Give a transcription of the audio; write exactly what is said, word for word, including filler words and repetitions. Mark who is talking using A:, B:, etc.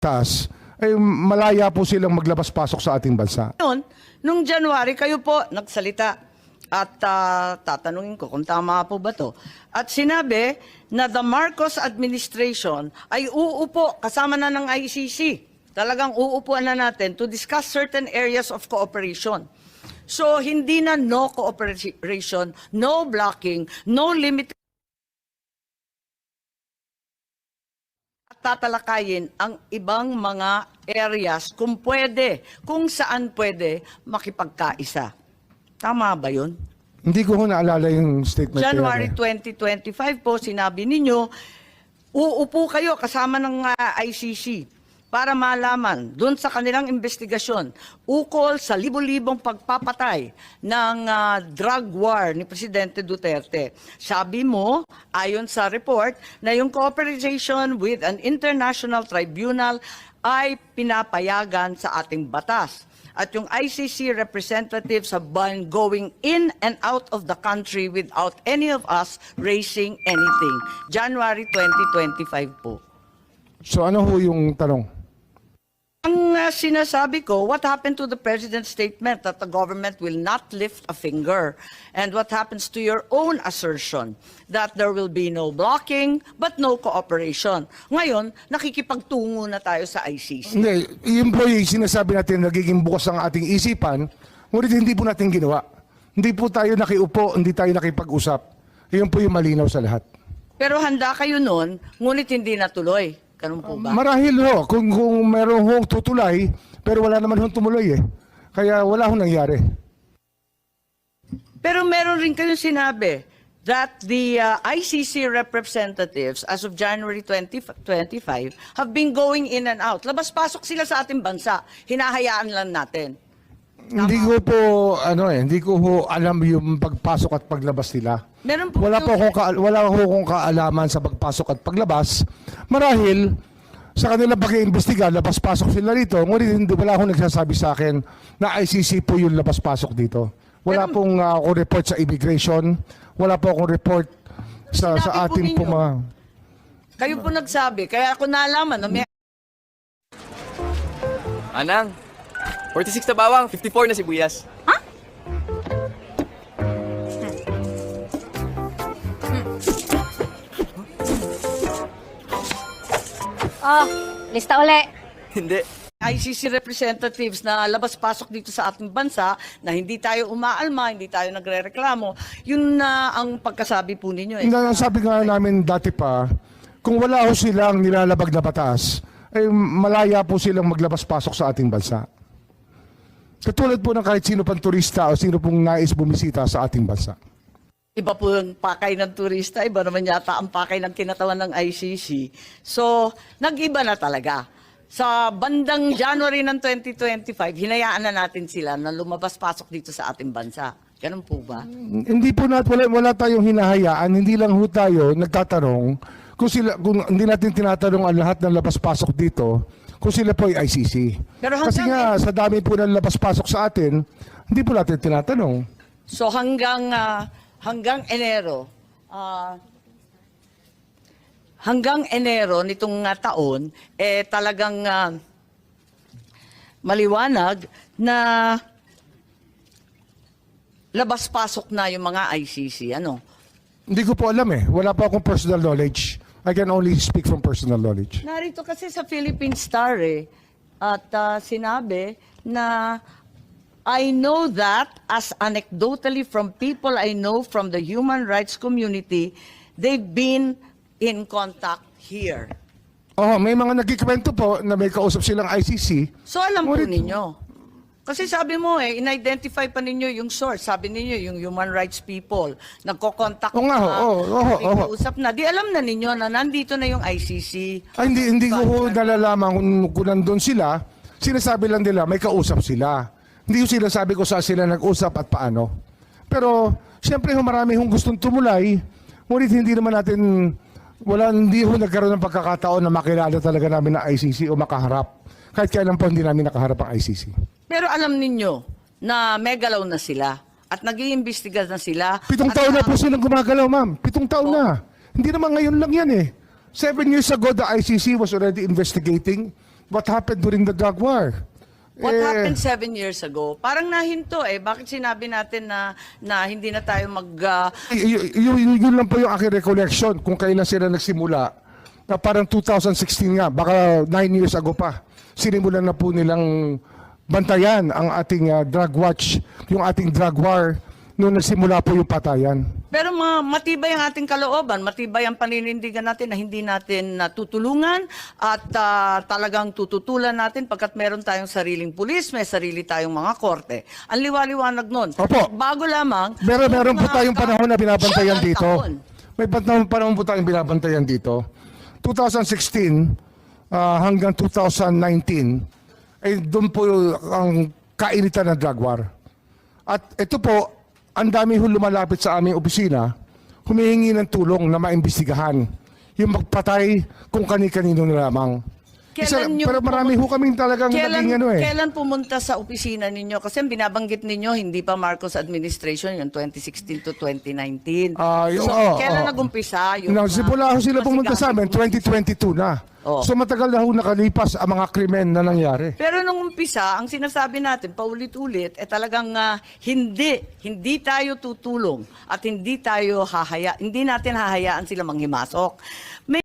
A: taas, ay malaya po silang maglabas-pasok sa ating bansa.
B: Noon, nung January, kayo po nagsalita at uh, tatanungin ko kung tama po ba to. At sinabi na the Marcos administration ay uupo kasama na ng I C C. Talagang uupuan na natin to discuss certain areas of cooperation. So, hindi na no cooperation, no blocking, no limit. Tatalakayin ang ibang mga areas kung pwede, kung saan pwede makipagkaisa. Tama ba yun?
A: Hindi ko ho naalala yung statement.
B: January
A: yan, eh.
B: twenty twenty-five po, sinabi ninyo, uupo kayo kasama ng uh, I C C para malaman doon sa kanilang investigasyon ukol sa libo-libong pagpapatay ng uh, drug war ni Presidente Duterte. Sabi mo, ayon sa report, na yung cooperation with an international tribunal ay pinapayagan sa ating batas. At yung I C C representatives have been going in and out of the country without any of us raising anything. January twenty twenty-five po.
A: So ano ho yung tanong?
B: Ang uh, sinasabi ko, what happened to the President's statement that the government will not lift a finger? And what happens to your own assertion that there will be no blocking but no cooperation? Ngayon, nakikipagtungo na tayo sa I C C.
A: Hindi, yun po yung sinasabi natin, nagiging bukas ang ating isipan, ngunit hindi po natin ginawa. Hindi po tayo nakiupo, hindi tayo nakipag-usap. Yun po yung malinaw sa lahat.
B: Pero handa kayo noon, ngunit hindi natuloy. Ganun po ba?
A: Marahil ho, kung, kung meron hong tutulay, pero wala naman hong tumuloy eh. Kaya wala hong nangyari.
B: Pero meron rin kayong sinabi that the uh, I C C representatives as of January twenty twenty-five have been going in and out. Labas-pasok sila sa ating bansa. Hinahayaan lang natin.
A: Hindi ko po, ano eh, hindi ko ho alam yung pagpasok at paglabas nila.
B: Meron po
A: Wala po akong, ka, wala ho akong kaalaman sa pagpasok at paglabas. Marahil, sa kanilang pag-iimbestiga, labas-pasok sila rito. Ngunit hindi, wala akong nagsasabi sa akin na I C C po yung labas-pasok dito. Wala
B: Pero,
A: pong uh, akong report sa immigration. Wala po akong report sa,
B: Sinabi
A: sa
B: po
A: ating
B: ninyo.
A: po mga...
B: Kayo po nagsabi, kaya ako nalaman na may
C: Anang, forty-six na bawang, fifty-four na sibuyas.
D: Oh, lista uli.
C: Hindi.
B: I C C representatives na labas-pasok dito sa ating bansa na hindi tayo umaalma, hindi tayo nagrereklamo. Yun na ang pagkasabi po ninyo. Eh.
A: Na, sabi nga namin dati pa, kung wala ho silang nilalabag na batas, ay malaya po silang maglabas-pasok sa ating bansa. Katulad po ng kahit sino pang turista o sino pong nais bumisita sa ating bansa.
B: Iba po yung pakay ng turista, iba naman yata ang pakay ng kinatawan ng I C C. So, nag-iba na talaga. Sa bandang January ng twenty twenty-five, hinayaan na natin sila na lumabas-pasok dito sa ating bansa. Ganun po ba?
A: Hindi po natin, wala, wala tayong hinahayaan, hindi lang ho tayo nagtatanong kung sila, kung hindi natin tinatanong ang lahat ng labas-pasok dito, kung sila po ay I C C.
B: Pero
A: Kasi
B: hanggang-
A: nga, sa dami po ng labas-pasok sa atin, hindi po natin tinatanong.
B: So hanggang ah, hanggang Enero, ah, hanggang Enero nitong ah, taon, eh talagang ah, maliwanag na labas-pasok na yung mga I C C. Ano?
A: Hindi ko po alam eh. Wala po akong personal knowledge. I can only speak from personal knowledge.
B: Narito kasi sa Philippine Star eh, at ah, sinabi na I know that as anecdotally from people I know from the human rights community, they've been in contact here.
A: Oh, may mga nagkikwento po na may kausap silang I C C.
B: So alam po
A: Ngunit-
B: ninyo. Kasi sabi mo eh, in-identify pa ninyo yung source. Sabi ninyo, yung human rights people, nagko-contact
A: Oo nga,
B: na,
A: oo, oo, oo.
B: usap na. Di alam na ninyo na nandito na yung I C C.
A: Ay, hindi, hindi ko ho nalalaman kung, kung nandun sila. Sinasabi lang nila, may kausap sila. Hindi ko sinasabi ko saan sila nag-usap at paano. Pero, siyempre ho, marami hong gustong tumulay. Ngunit hindi naman natin, wala, hindi ho nagkaroon ng pagkakataon na makilala talaga namin na I C C o makaharap. Kahit kailan po hindi namin nakaharap ang I C C.
B: Pero alam ninyo na may galaw na sila at nag-iimbestiga na sila.
A: Pitong
B: at
A: taon na po silang gumagalaw, ma'am. Pitong taon na. Hindi naman ngayon lang yan eh. Seven years ago, the I C C was already investigating what happened during the drug war.
B: What
A: Eh,
B: happened seven years ago? Parang nahinto eh. Bakit sinabi natin na, na hindi na tayo mag... ah,
A: y- y- y- y- yun lang po yung aking recollection kung kailan sila nagsimula. Na parang two thousand sixteen nga, baka nine years ago pa. Sinimulan na po nilang bantayan ang ating ah, drug watch, yung ating drug war, noong nagsimula po yung patayan.
B: Pero ma- matibay ang ating kalooban, matibay ang paninindigan natin na hindi natin natutulungan at ah, talagang tututulan natin pagkat meron tayong sariling pulis, may sarili tayong mga korte. Ang liwaliwanag nun.
A: Opo.
B: Bago lamang...
A: Meron,
B: yung
A: meron po
B: mga
A: tayong
B: ka-
A: panahon na binabantayan
B: Ilang
A: dito.
B: taon?
A: May panahon, panahon po tayong binabantayan dito. twenty sixteen ah, hanggang two thousand nineteen, ay doon po ang kainitan ng drug war. At ito po, ang dami ho lumalapit sa aming opisina, humihingi ng tulong na maimbestigahan yung magpatay kung kani-kanino na lamang. Isa,
B: Kailan yung
A: pero marami ho kaming talagang
B: Kailan,
A: naging ano eh.
B: kailan pumunta sa opisina ninyo? Kasi binabanggit ninyo, hindi pa Marcos administration, yung twenty sixteen to twenty nineteen.
A: Ah, yung-
B: so,
A: oo,
B: kailan
A: oo.
B: nagumpisa? Yung,
A: Nagsimula
B: ah,
A: ho sila pumunta sa amin,
B: masigasig-
A: twenty twenty-two na.
B: Oo.
A: So matagal na ho nakalipas ang mga krimen na nangyari.
B: Pero nung umpisa, ang sinasabi natin, paulit-ulit, eh talagang ah, hindi, hindi tayo tutulong at hindi tayo hahaya, hindi natin hahayaan sila manghimasok. May